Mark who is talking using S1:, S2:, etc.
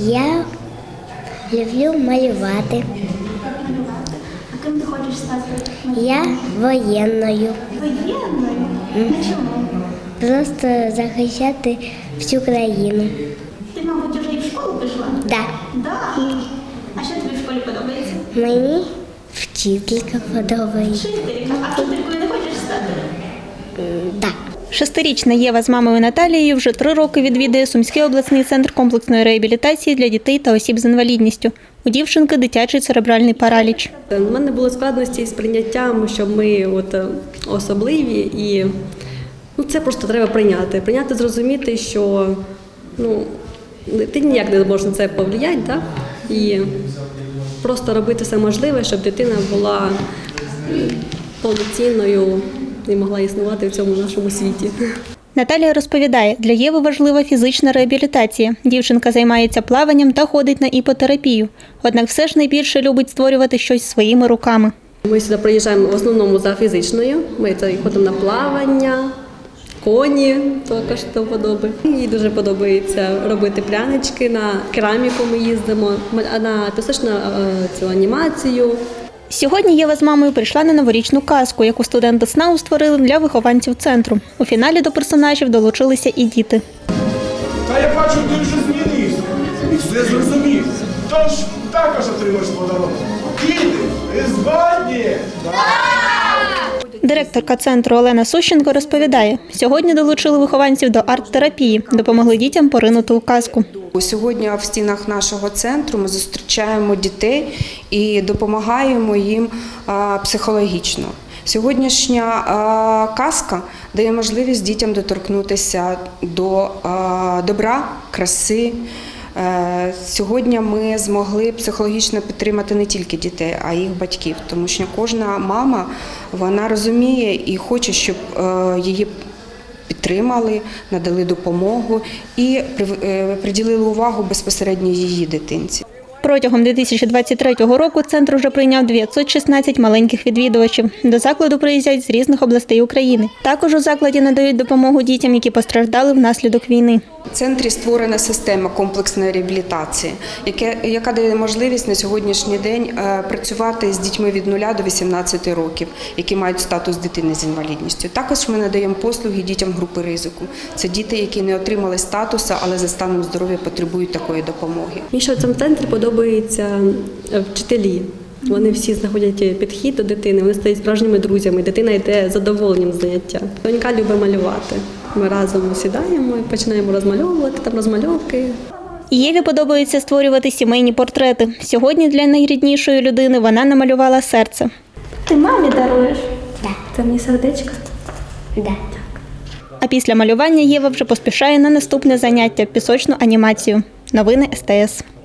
S1: Я люблю малювати.
S2: А ким ти хочеш стати?
S1: Я воєнною.
S2: Воєнною? Чому?
S1: Просто захищати всю країну.
S2: Ти, мабуть, вже і в школу пішла?
S1: Да.
S2: Да. А що тобі в школі подобається?
S1: Мені вчителька подобається.
S2: Вчителька. А вчителькою не хочеш стати?
S1: Да.
S3: 6-річна Єва з мамою Наталією вже 3 роки відвідує Сумський обласний центр комплексної реабілітації для дітей та осіб з інвалідністю. У дівчинки дитячий церебральний параліч.
S4: У мене були складності з прийняттям, що ми особливі, і це просто треба прийняти. Прийняти, зрозуміти, що ти ніяк не можеш на це повлияти, да? І просто робити все можливе, щоб дитина була повноцінною і могла існувати в цьому нашому світі.
S3: Наталія розповідає, для Єви важлива фізична реабілітація. Дівчинка займається плаванням та ходить на іпотерапію. Однак все ж найбільше любить створювати щось своїми руками.
S4: Ми сюди приїжджаємо в основному за фізичною. Ми ходимо на плавання, коні, також до вподоби. Їй дуже подобається робити прянички, на кераміку ми їздимо, на пісочну цю анімацію.
S3: Сьогодні Єва з мамою прийшла на новорічну казку, яку студенти СНАУ створили для вихованців центру. У фіналі до персонажів долучилися і діти.
S5: Та я бачу, ти вже змінився і все зрозумів. Тож також отримаєш подарунок. Діти, ви згодні?
S3: Директорка центру Олена Сущенко розповідає, сьогодні долучили вихованців до арт-терапії, допомогли дітям поринути у казку.
S6: Сьогодні в стінах нашого центру ми зустрічаємо дітей і допомагаємо їм психологічно. Сьогоднішня казка дає можливість дітям доторкнутися до добра, краси. Сьогодні ми змогли психологічно підтримати не тільки дітей, а й їх батьків, тому що кожна мама, вона розуміє і хоче, щоб її підтримали, надали допомогу і приділили увагу безпосередньо її дитинці.
S3: Протягом 2023 року центр вже прийняв 916 маленьких відвідувачів. До закладу приїздять з різних областей України. Також у закладі надають допомогу дітям, які постраждали внаслідок війни.
S6: В центрі створена система комплексної реабілітації, яка дає можливість на сьогоднішній день працювати з дітьми від 0 до 18 років, які мають статус дитини з інвалідністю. Також ми надаємо послуги дітям групи ризику. Це діти, які не отримали статусу, але за станом здоров'я потребують такої допомоги.
S4: Мені ще в цьому центрі подобаються вчителі. Вони всі знаходять підхід до дитини, вони стають справжніми друзями, дитина йде з задоволенням з заняття. Донька любить малювати. Ми разом сідаємо і починаємо розмальовувати, там розмальовки.
S3: Єві подобається створювати сімейні портрети. Сьогодні для найріднішої людини вона намалювала серце.
S2: Ти мамі даруєш?
S1: Да.
S2: Це мені сердечко?
S1: Да.
S3: А після малювання Єва вже поспішає на наступне заняття – пісочну анімацію. Новини СТС.